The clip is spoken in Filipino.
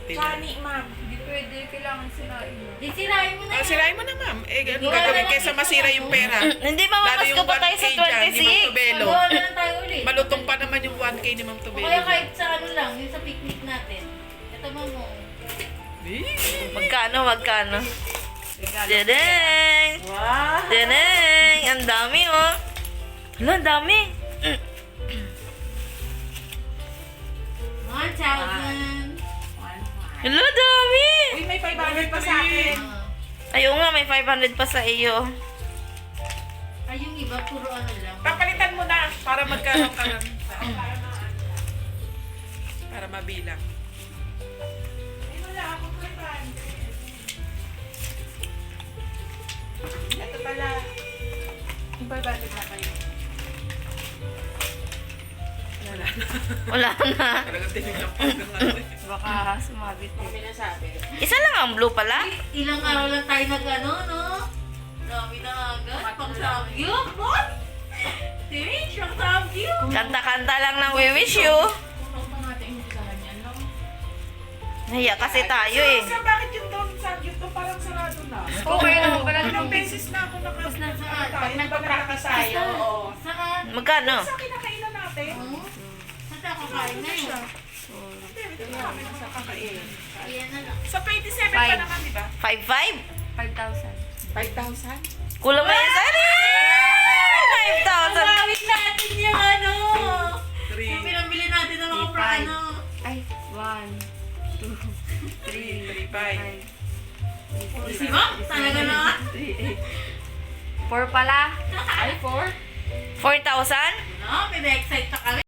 natin. Chani, ma'am. Hindi pwede. Kailangan sirain mo. Di sirain mo na Ah, yan. sirain mo na, ma'am. Eh, ganun gagawin kaysa masira yung pera. Hindi Lalo mamamas yung ko pa tayo 1K sa dyan, ni Ma'am 26. Tubelo. Magawa na lang tayo ulit. Malutong pa naman yung 1K ni Ma'am O Tubelo. kaya kahit sa ano lang, yung sa picnic natin. Ito mo mo. Magkano? Dedeng! Wow! Dedeng! Ang dami, oh. Hala, ang dami. 1,000. Hala, dami. Uy, may 500 pa sa akin. Ayaw nga, may 500 pa sa iyo. Ay, yung iba, puro ano lang. Papalitan mo na para magkaroon ka ng... Para mabilang. Ay, wala ako 500. Ito pala. Yung 500 na kayo. Wala na. Wala na. Talagang tinignan ko hanggang ano eh. Baka sumabit mo. Pinasabi. Isa lang ang blue pala. Ilang araw lang tayo nag-ano, no? Dami na agad. Pang samgyup, what? Tinig, pang samgyup. Kanta-kanta lang ng we wish you. Kung pa natin yung usahan yan, no? Nahiya kasi tayo eh. Sa bakit yung doon sa gift to parang sarado na? Okay lang. Wala Ilang beses na ako Saan? Pag nagpa-practice tayo, oo. Saan? Magkano? Sa kinakainan natin. Oo. Saan tayo kakain na yun? Hindi, ito marami na sa kakain. Ayan na lang. Sa 27 pa naman, di ba? 5,500? 5,000. Kulang na yan sa 5,000. Gawin natin yung ano. Yung 3, pinambili natin ng mga prano. Ay, 1, 2, 3, 3, 5. Si Ma'am, talaga na nga. 4 pala. Ay, 4? 4,000? No, pina-excite ka kami.